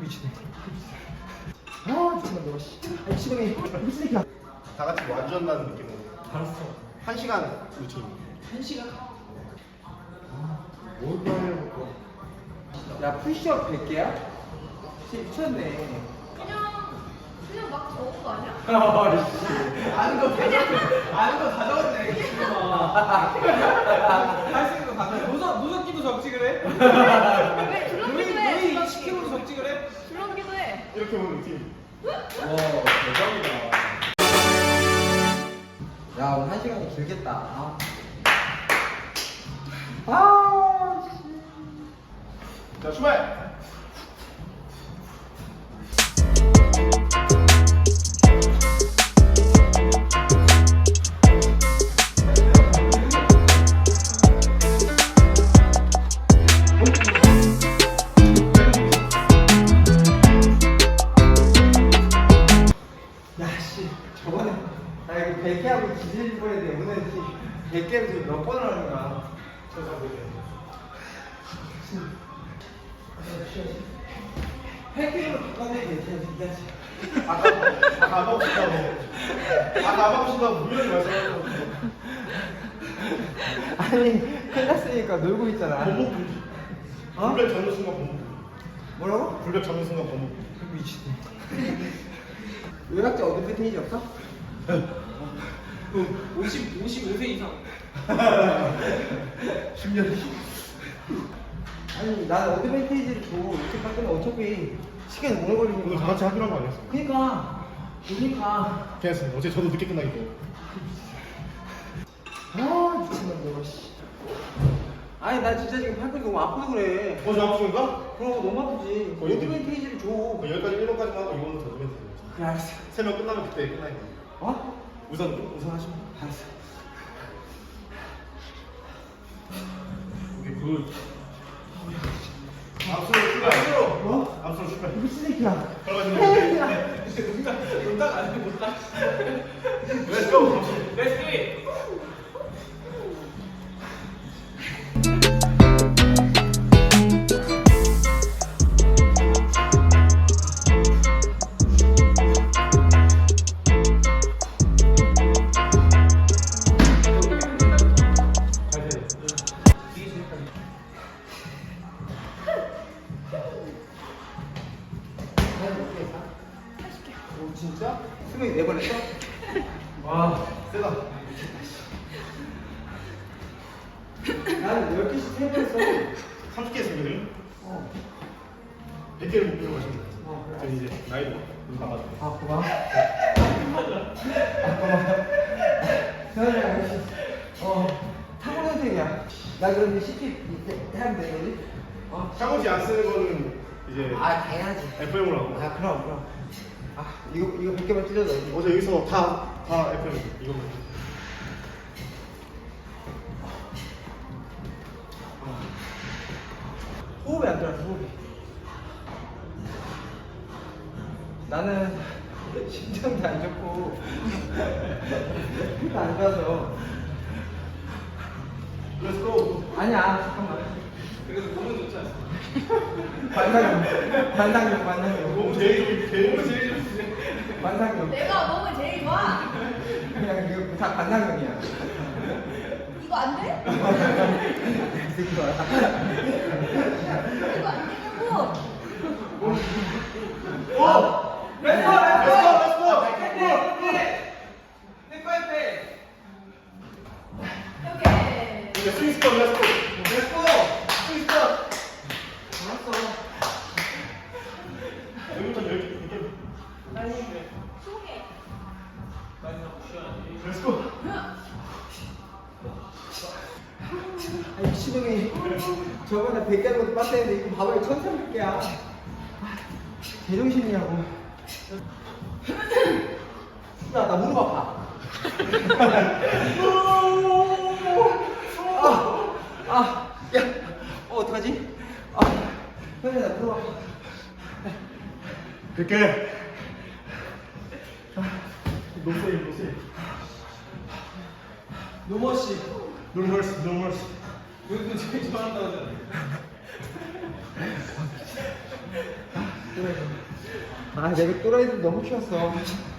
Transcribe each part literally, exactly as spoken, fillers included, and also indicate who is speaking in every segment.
Speaker 1: 미치네. 아 미친놈 너가 씨. 아 미친놈이 미친 새끼야.
Speaker 2: 다 같이 뭐 완주한다는 느낌으로
Speaker 1: 알았어.
Speaker 2: 한 시간 루틴.
Speaker 1: 한 시간. 뭘 해볼까? 야 푸시업 백 개야? 진짜 미쳤네.
Speaker 3: 그냥 그냥 막 적은 거 아니야?
Speaker 1: 아는 거 다 적었네. 아는 거 다 적었네. 할 수 있는 거 다 적었네.
Speaker 4: 노석, 노석기도 적지 그래?
Speaker 3: 왜 줄넘기도 해?
Speaker 4: 너희
Speaker 3: 줄넘기.
Speaker 4: 십 킬로도 적지 그래?
Speaker 3: 줄넘기도 해.
Speaker 2: 이렇게 보는 루틴.
Speaker 1: 와 대박이다. 야 오늘 한 시간이 길겠다. 아. 아 씨.
Speaker 2: 자 출발.
Speaker 1: 야씨 저번에 나 이거 백 개 하고 기질 뻔했는데 오늘 백 개를 지금 몇 번을 하는 거야? 저잘 모르겠네. 백 개로 바꿨네 괜찮아.
Speaker 2: 아까 아까 아빠 오신다고. 아까 아빠 오신다고 분명히 말씀하셨고.
Speaker 1: 아니 끝났으니까 놀고 있잖아.
Speaker 2: 범목 분기.
Speaker 1: 어?
Speaker 2: 불벽 잡는 순간 범목 분기.
Speaker 1: 뭐라고?
Speaker 2: 불벽 잡는 순간 범목 분기.
Speaker 1: 미치네. 의학자 어드밴테이지 없어?
Speaker 4: 오십, 오십오 세 이상.
Speaker 2: 십 년 뒤.
Speaker 1: 아니 난 어드밴테이지를 줘. 이렇게 바꾸면 어차피 시간이 오래
Speaker 2: 오늘 다
Speaker 1: 걸리니까.
Speaker 2: 같이 하기로 한 거 아니었어?
Speaker 1: 그니까 그니까
Speaker 2: 괜찮습니다. 어제 저도 늦게 끝나기 때문에.
Speaker 1: 아 미친놈 너가 씨. 아니 나 진짜 지금 팔뚝이 너무 아프고 그래.
Speaker 2: 어제 아프신가?
Speaker 1: 그럼 너무 아프지.
Speaker 2: 거의
Speaker 1: 어드밴테이지를 줘.
Speaker 2: 여기까지 일 번까지만 하고 이번부터 더 주면 되죠.
Speaker 1: 그래 알았어.
Speaker 2: 세 명 끝나면 그때 끝나야 돼.
Speaker 1: 어?
Speaker 2: 우선 우선 하시면.
Speaker 1: 알았어.
Speaker 2: 이게 그 앞으로 출발. 앞으로.
Speaker 1: 뭐?
Speaker 2: 앞으로 출발.
Speaker 1: 미친 새끼야.
Speaker 2: 걸어가시면
Speaker 4: 못딱 아니고 못딱.
Speaker 2: Let's go.
Speaker 4: Let's do it.
Speaker 1: 오 진짜? 수명이 네 번 했어?
Speaker 2: 와 세다.
Speaker 1: 나는 열 개씩 세 번 했어.
Speaker 2: 삼십 개 했으면
Speaker 1: 어.
Speaker 2: 백 개를 목표로 가시면 돼요.
Speaker 1: 어, 그래.
Speaker 2: 저는 이제 나이도 남았어.
Speaker 1: 아 고마워. 아 고마워. 서현이랑 역시 어 타고난 선생이야. 나 그런데 시티 이렇게 하면 되는 거지? 어.
Speaker 2: 샤워지 안 쓰는 거는 이제
Speaker 1: 아 당연하지.
Speaker 2: 에프엠으로 하고.
Speaker 1: 아 그럼 그럼. 아 이거 이거 백 개만 찢어져.
Speaker 2: 어제 여기서 다 다 에프엠 이거만.
Speaker 1: 호흡이 안 들어서 호흡이. 나는 심장도 안 좋고 피가 안 좋아서.
Speaker 2: Let's go.
Speaker 1: 아니야 잠깐만.
Speaker 4: 그래도 몸은 좋지 않아.
Speaker 1: 관상용 관상용 관상용
Speaker 2: 몸 제일 제일 몸 제일
Speaker 1: 관상용.
Speaker 3: 내가 몸이 제일 좋아.
Speaker 1: 그냥 이거 다 관상용이야.
Speaker 3: 이거 안 돼?
Speaker 1: 이 새끼 봐라.
Speaker 3: 이거 안 되냐고.
Speaker 2: 오!
Speaker 4: Let's go, let's go, let's go. 내 파이팅.
Speaker 3: 오케이.
Speaker 2: 이제 스윙스턴 Let's go.
Speaker 1: Let's go. 스위스터. 알았어.
Speaker 2: 여기부터 열 개. 열 개.
Speaker 3: 스무 개.
Speaker 2: Let's go.
Speaker 1: 아 미친놈이 저번에 백 개 하는 것도 빡세는데 이거 봐봐 이거 천삼백 개야. 제정신이냐고. 야 나 무릎 아파. 아, 아, 야, 어 어떡하지? 아, 현재 나 무릎 아파.
Speaker 2: 백 개. 노세이 노세이.
Speaker 1: 노머씨.
Speaker 2: 노멀스 노멀스.
Speaker 4: 우리도 제일 좋아한다고 하잖아.
Speaker 1: 아 내가 또라이들 너무 키웠어.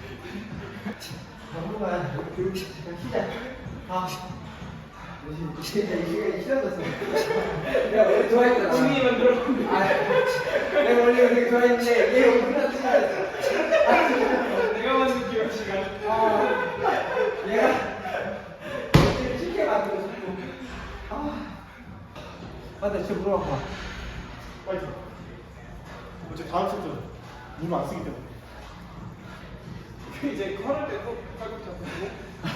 Speaker 1: 정말 교육 잠깐 쉬자. 아 진짜 이게 싫어졌어. 내가 원래 좋아했잖아.
Speaker 4: 본인이 만들어.
Speaker 1: 아 내가 원래 되게 좋아했는데 얘 오늘 싫어졌어.
Speaker 4: 내가 만든 기억 시간.
Speaker 1: 아 얘가 되게 쉽게 만들어 자꾸. 아 맞다 진짜 물어봐.
Speaker 2: 파이팅. 어제 다음 세트 물안 쓰기 때문에.
Speaker 4: 이제 걸을 때도 팔꿈치 잡고.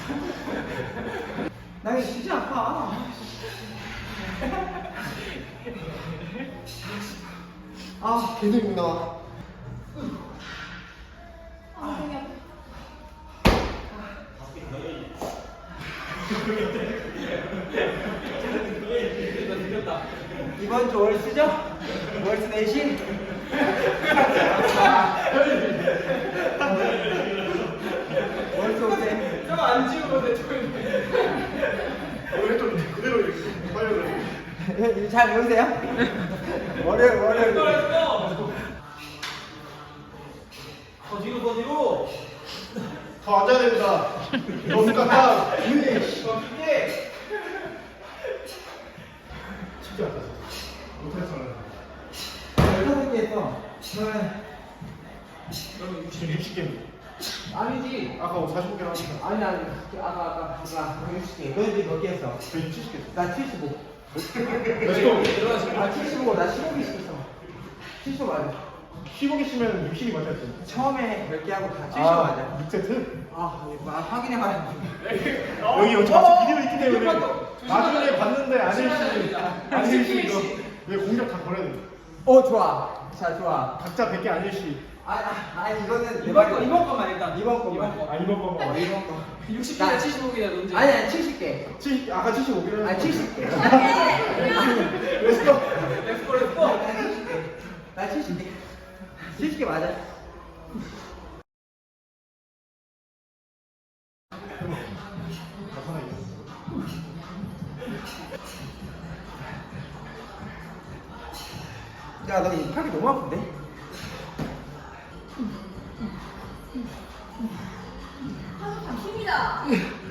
Speaker 1: 나 이거 진짜 아파. 아 계속 욕 나와.
Speaker 3: 아, 되게 아파.
Speaker 1: 이번 주 월수죠? 월수 내신? 월수 오세.
Speaker 4: 저거 안 지우고 내 저거.
Speaker 2: 원래 좀 그대로 이렇게 빨려 그래.
Speaker 1: 잘 배우세요? 월요일 월요일.
Speaker 4: 렛츠고. 더 뒤로 더 뒤로.
Speaker 2: 더 앉아야 됩니다. 너무 깜빡.
Speaker 4: 더 깊게.
Speaker 2: 쉽지 않다. 못했어.
Speaker 1: 열다섯 개 했어. 저는
Speaker 4: 그러면
Speaker 2: 지금 육십 개입니다.
Speaker 1: 아니지.
Speaker 2: 아까 사십오 개 나왔습니다.
Speaker 1: 아니 아니 아까 아까 아까 육십 개. 너희 몇개 했어?
Speaker 2: 저 이제 칠십 개.
Speaker 1: 나 칠십오.
Speaker 2: 렛츠고.
Speaker 4: 일어나시면
Speaker 1: 아 칠십오. 나 십오 개 시켰어. 칠십오 맞아.
Speaker 2: 십오 개씩면 육십이 맞았죠.
Speaker 1: 처음에 몇 개 하고 다 칠십오 맞아.
Speaker 2: 육 세트?
Speaker 1: 아, 이거 아, 확인해봐야 돼.
Speaker 2: 여기 여기 좌측 비디오 있기 때문에 나중에 봤는데 안일씨 안일씨 이거 왜 공격 다 걸어야 돼?
Speaker 1: 어, 좋아. 자, 좋아.
Speaker 2: 각자 백 개 안일씨.
Speaker 1: 아, 아, 아니, 이거는 내
Speaker 4: 이번 거
Speaker 1: 말이야.
Speaker 4: 이번 거만 일단.
Speaker 1: 이번 거만.
Speaker 4: 이번 거.
Speaker 2: 아 이번 거만 와.
Speaker 1: 이번 거.
Speaker 4: 육십
Speaker 1: 나-
Speaker 4: 개나 칠십오 개나 논제.
Speaker 1: 아니, 아니, 칠십 개.
Speaker 2: 칠 아까 칠십오 개를.
Speaker 1: 아니, 칠십 개.
Speaker 2: 렛츠고.
Speaker 4: 렛츠고 렛츠고.
Speaker 1: 나 칠십 개. 나 칠십 개. 칠십 개 맞아.
Speaker 2: 하나 있어.
Speaker 1: 야, 너 이 팔이 너무 아픈데?
Speaker 3: 한참 힘이다.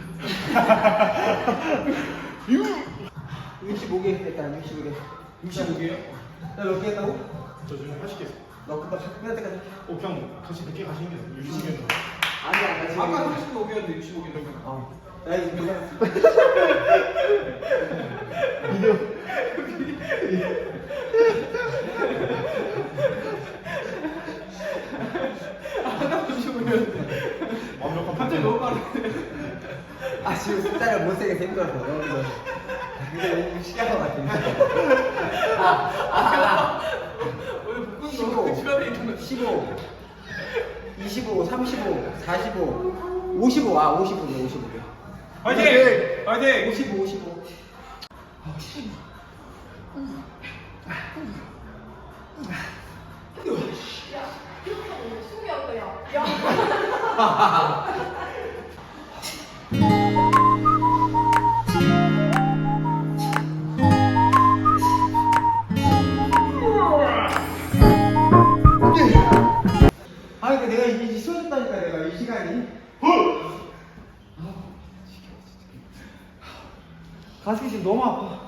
Speaker 1: 육십오 개 했다, 육십오 개.
Speaker 4: 육십오 개요?
Speaker 1: 나몇 개 했다고?
Speaker 2: 저 지금 팔십 개.
Speaker 1: 너 그거 끝날 때까지.
Speaker 2: 어 그냥 같이 백 개 가시는 게 육십 개.
Speaker 1: 아니야, 나 지금.
Speaker 4: 아까 삼십오 개였는데 육십오 개는.
Speaker 1: 어. 야, 이거 누가.
Speaker 2: 비디오.
Speaker 4: 아까 삼십오 개였는데.
Speaker 2: 완벽한
Speaker 4: 갑자기 너무 빠르네.
Speaker 1: 아, 지금 숫자를 못 세게 힘들어서. 너무 힘들어. 근데 너무 시기한 것 같은데. 아, 아, 아.
Speaker 4: 오늘 복근
Speaker 1: 십오,
Speaker 4: 너무 집안에 있는 거.
Speaker 1: 십오, 이십오, 삼십오, 사십오, 오십오, 아, 오십오 개, 오십오 개.
Speaker 4: 화이팅! 화이팅!
Speaker 1: 오십오, 오십오.
Speaker 3: 야, 숨이 없다, 야. 야.
Speaker 1: 아, 그러니까 내가 이게 쉬어졌다니까, 내가 이 시간이. 가슴이 지금 너무 아파.